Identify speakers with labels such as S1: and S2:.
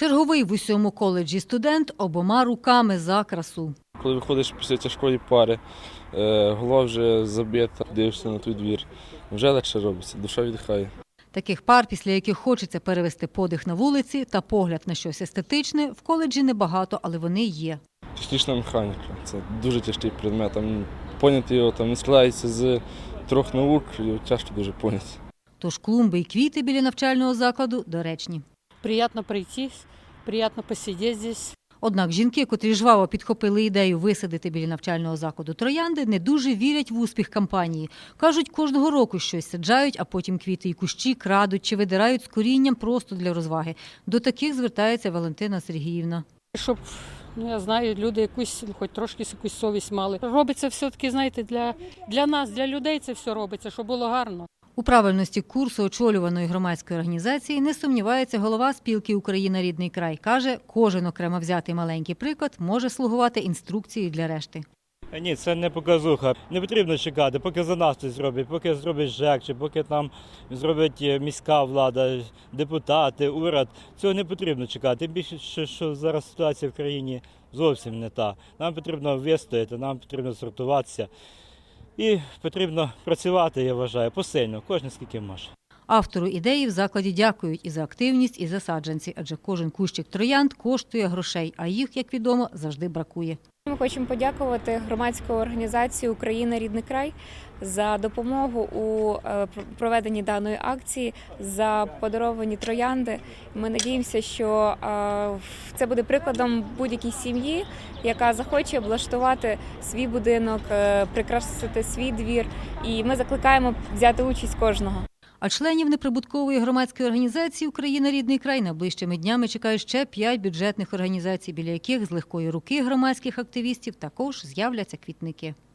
S1: Черговий в усьому коледжі студент обома руками за красу.
S2: Коли виходиш після тяжкої пари, голова вже забита, дивишся на той двір, вже легше робиться, душа віддихає.
S1: Таких пар, після яких хочеться перевести подих на вулиці та погляд на щось естетичне, в коледжі небагато, але вони є.
S2: Технічна механіка – це дуже тяжкий предмет. Поняти його він складається з 3 наук, його тяжко дуже поняти.
S1: Тож клумби і квіти біля навчального закладу доречні.
S3: Приємно прийти, приємно посидіти тут.
S1: Однак жінки, котрі жваво підхопили ідею висадити біля навчального закладу троянди, не дуже вірять в успіх кампанії. Кажуть, кожного року щось саджають, а потім квіти і кущі крадуть чи видирають з корінням просто для розваги. До таких звертається Валентина Сергіївна.
S3: Щоб, я знаю, люди якусь, хоч трошки якусь совість мали. Робиться все-таки, знаєте, для нас, для людей це все робиться, щоб було гарно.
S1: У правильності курсу очолюваної громадської організації не сумнівається голова спілки «Україна. Рідний край». Каже, кожен окремо взятий маленький приклад може слугувати інструкцією для решти.
S4: Ні, це не показуха. Не потрібно чекати, поки за нас щось зроблять, поки зробить ЖЕК, чи поки там зробить міська влада, депутати, уряд. Цього не потрібно чекати. Тим більше, що зараз ситуація в країні зовсім не та. Нам потрібно вистояти, нам потрібно сортуватися. І потрібно працювати, я вважаю, посильно, кожен скільки може.
S1: Автору ідеї в закладі дякують і за активність, і за саджанці, адже кожен кущик троянд коштує грошей, а їх, як відомо, завжди бракує.
S5: Ми хочемо подякувати громадській організації «Україна. Рідний край» за допомогу у проведенні даної акції, за подаровані троянди. Ми надіємося, що це буде прикладом будь-якій сім'ї, яка захоче облаштувати свій будинок, прикрасити свій двір. І ми закликаємо взяти участь кожного.
S1: А членів неприбуткової громадської організації «Україна. Рідний край» найближчими днями чекають ще 5 бюджетних організацій, біля яких з легкої руки громадських активістів також з'являться квітники.